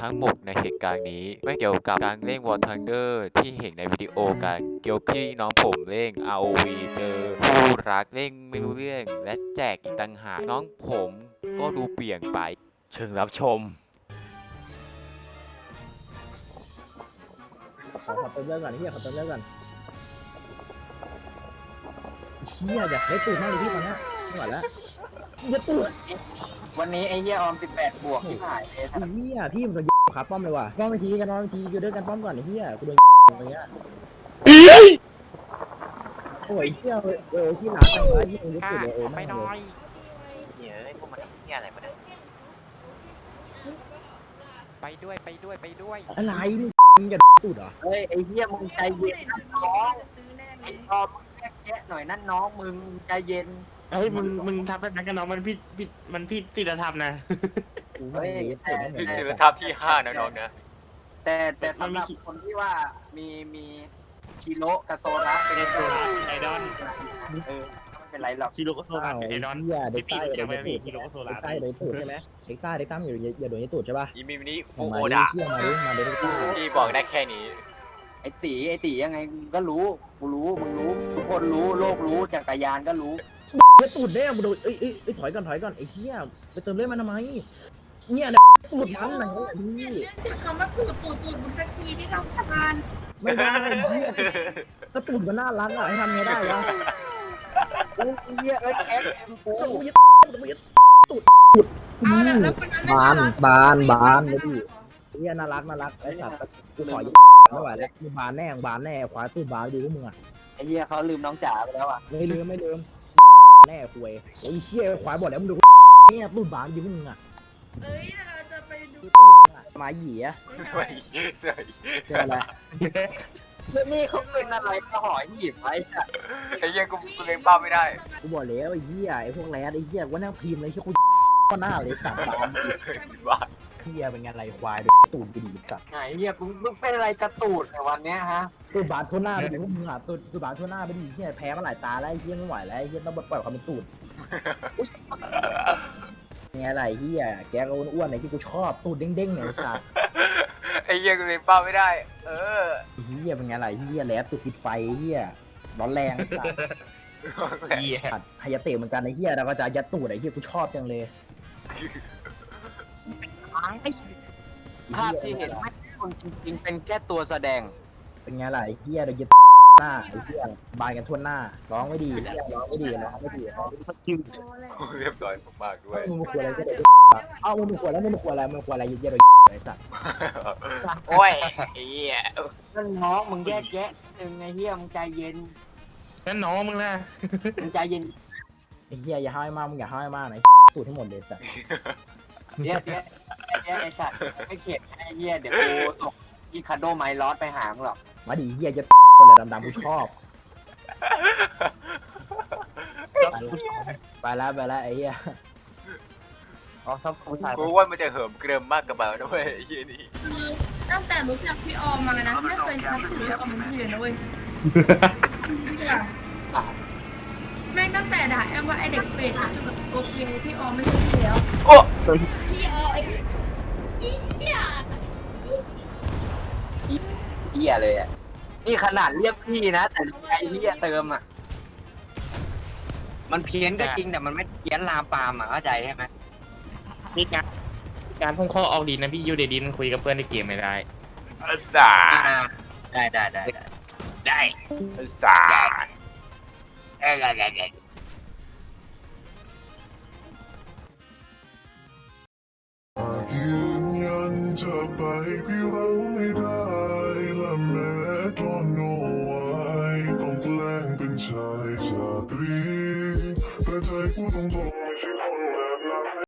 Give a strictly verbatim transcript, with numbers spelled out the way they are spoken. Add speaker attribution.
Speaker 1: ทั้งหมดในเหตุการณ์นี้ไม่เกี่ยวกับการเล่น War Thunder ที่เห็นในวิดีโอกันเกี่ยวพี่น้องผมเล่น อาร์ โอ วี เจอคู่รักเล่นไม่รู้เรื่องและแจกอีกต่างหากน้องผมก็ดูเปลี่ยนไปเชิญรับชม
Speaker 2: ขอขอเติมเรื่องก่อนเฮียขอเติมเรื่องก่อนเฮียอยากได้ตูดมากเลยพี่ตอนเนี้ยไม่ไหวแล้วเฮียตูด
Speaker 3: วันนี้ไอ้เหี้ยออมสิบแปดบวกที่หายเลย
Speaker 2: เฮียพี่มันโดนขาป้อมเลยว่ะป้อมไปทีกันป้อมไปทีอยู่ด้วยกันป้อมก่อนไอ้เฮียกูโดนอย่างเงี้ยโอ้ยเฮียเออที่หลังไปวะที่มึงรู้สึกเลยเออไม่น้อย
Speaker 4: เหี้ยไอ้พวกมันเหี้ยอะไรมาเนี่ยไปด้วยไปด้วยไปด้วย
Speaker 2: อะไรมึงจะตูดเหรอ
Speaker 3: เฮ้ยไอ้เหี้ยมึงใจเย็นนะน้องไอ้ออมมึงแยกแยะหน่อยนั่นน้องมึงใจเย็น
Speaker 5: เฮ้ยมึงมึงทำแบบนั้นกับน้องมันผิดผิดมันผิดศีลธรรมนะ
Speaker 3: เฮ้ยแต่
Speaker 4: คือศิลธรรมที่ห้านะน้องนะ
Speaker 3: แต่แต่สำหรับคนที่ว่ามีมีคิโลกับโซระเป็น
Speaker 5: โซล่าไอดอน
Speaker 3: เออไม่เป็นไรหรอก
Speaker 5: คิโลก็โซล่าเป็นไอดอน
Speaker 2: เฮียเด็กใต้เด็ก
Speaker 5: ไม่
Speaker 2: ตู
Speaker 5: มี
Speaker 2: ด
Speaker 5: คิโลก็โซล่า
Speaker 2: เด็กใต้เด็กตูดใช่ไหมเด็กใต้เด็กใต้อยู่อย่าโดนยี่ตูดใช่ป่ะ
Speaker 4: อีมินิฟู
Speaker 2: มา
Speaker 4: โอ
Speaker 2: ดิ
Speaker 4: ดะ
Speaker 2: เที่ยมาดิมาดิเด็กใต้
Speaker 4: ที่บอกได้แค่นี้
Speaker 3: ไอ้ตีไอ้ตียังไงก็รู้กูรู้มึงรู้ทุกคนรู้โลกรู้จักรยานก็รู้
Speaker 2: เฮียตูดแน่มึงโดนเอ้ยเอ้ยเอ้ยถอยก่อนถอยก่อนไอ้เฮียไปเติมเลือดมันทำไมเนี่ยตูดมันไหนพี่
Speaker 6: เรียกคำว่าตูดตูดตูดมึงสักทีที่ทำทาน
Speaker 2: ไม่ได้ถ้าตูดมันน่ารักอ่ะให้ทำไงได้วะ
Speaker 3: โอ้ยเหี้ยเอ้ยแอคเอ็มกู
Speaker 2: ตูดตูด
Speaker 6: เอาละแล้วคนนั้นไม่
Speaker 2: บาน
Speaker 6: รัก
Speaker 2: บานบานเลยพี่เฮียน่ารักน่ารักไอ้สัตว์กูขอยึดไม่ไหวแล้วกูบานแน่บานแน่ควายตูดบานดีพวกมึงอ่ะ
Speaker 3: ไอ้เหี้ยเขาลืมน้องจ๋าไปแล้วอ่ะ
Speaker 2: ไม่ลืมไม่ลืมแน่คุยโอ้ยเชี่ยควายบอกแล้วมึงดูเนี่ยตูดบานดีพวกมึงอ่ะ
Speaker 6: เอ้ยเราจะไปดู
Speaker 2: ตูดมาหยีอ่ะ
Speaker 4: ไม่เสย
Speaker 2: เจออะไร
Speaker 3: นี่เขาเป็นอะไรก็หอยหยิบไว้อะ
Speaker 4: ไอ้เหี้ยกูกูเลี้ยงเป้าไม่ได้
Speaker 2: กูบอกแล้วไอ้เหี้ยไอ้พวกแรดไอ้เหี้ยว่านั่งพิมพ์เลยที่กูก็หน้าเลยสัตว์บาน
Speaker 4: บ้า
Speaker 2: เหี้ยเป็นไงไรควายตูดกูดีสัตว์
Speaker 3: ไหนเหี้ยมึงมึงเป็นอะไรจะตูดในวันเนี้ยฮะ
Speaker 2: ตูดบานทั่วหน้าไปดิพวกมึงอ่ะตูดตูดบานทั่วหน้าไปดิเหี้ยแพ้มาหลายตาแล้วไอ้เหี้ยไม่ไหวแล้วไอ้เหี้ยต้องปล่อยความเป็นตูดไงไรเหี้ยแกก็อ้วนๆไอ้ที่กูชอบตูดเด้งๆเนี่ยสัตว์
Speaker 4: ไอ้เหี้ยกูเลี้ยงเป้าไม่ได้ เออ
Speaker 2: เหี้ยเป็นไงไรเหี้ยแลบตูดติดไฟเหี้ยร้อนแรงสัตว์
Speaker 5: เหี้ย
Speaker 2: ผัดไฮยาเตะเหมือนกันไอ้เหี้ยเราก็จะยัดตูดไอ้เหี้ยกูชอบจังเลย
Speaker 3: ภาพที่เห็นไม่ใช่คนจริงๆเป็นแค่ตัวแสดง
Speaker 2: เป็นไงล่ะไอ้เหี้ยเรายึดหน้าไอ้เหี้ยบานกันทั่วหน้าร้องไม่ดีเหี้ยร้องไม่ดีร้องไม่ดีร้องไม่ดี
Speaker 4: เรียบร้อยมากๆด้วย
Speaker 2: มึงมาควรอะไรก็ได้เอ้ามึงมาควรแล้วมึงมาควรอะไรมึงควรอะไรเยอะๆเลยไอ้สัตว์
Speaker 4: โอ้ยไอ้เหี้ย
Speaker 3: นั่นน้องมึงแยกแยะยังไงเฮียมึงใจเย็น
Speaker 5: นั่นน้องมึงนะ
Speaker 3: มึงใจเย็น
Speaker 2: ไอ้เหี้ยอย่าห้าวมากมึงอย่าห้าวมากนะตูดทั้งหมดเลยสัตว์
Speaker 3: แยกแยะแยกไอ้สัตว์ไม่เข็ดไอ้เฮียเดี๋ยวกูส่งอีคาโดไมลอสไปหามึงหรอก
Speaker 2: มาดิเหี้ยจะคนอะไรดำๆกูชอบไปแล้วไปแล้วไอ้เหี้ย
Speaker 3: อ๋อชอบผู้ชาย
Speaker 4: กูว่ามันจะเหิมเกริมมากกับเบานะเว้ยไอ้เหี้ยนี่
Speaker 6: คือตั้งแต่รู้จักพี่ออมมานะไม่เคยนับถือพี่ออมเป็นพี่เลยนะเว้ยแม่งตั้งแต่ด่าแอมว่าไอเด็กเป็ดอะโอเคพี่ออมไม่ใช่พี่แล้ว
Speaker 4: โอ้
Speaker 6: พี่ออมไอ้เหี้ย
Speaker 3: เฮียเลยอ่ะนี่ขนาดเรียกพี่นะแต่ใจเฮียเติมอ่ะมันเพี้ยนก็จริงแต่มันไม่เพี้ยนลามปามอ่ะเข้าใจใช่ไหม
Speaker 5: มีการการพุ่งข้อออกดีนะพี่ยูเดดินคุยกับเพื่อนในเกมไม่ได้
Speaker 4: อาสา
Speaker 3: ได้ได้ได้ได้
Speaker 4: อาสา
Speaker 3: ได้ได้ได้ได้
Speaker 7: ยืนยันจะไปพี่เราไม่ได้และแม้ตอนโนไว้ต้องแกล้งเป็นชายชาตรีแต่ใจกูต้องบอก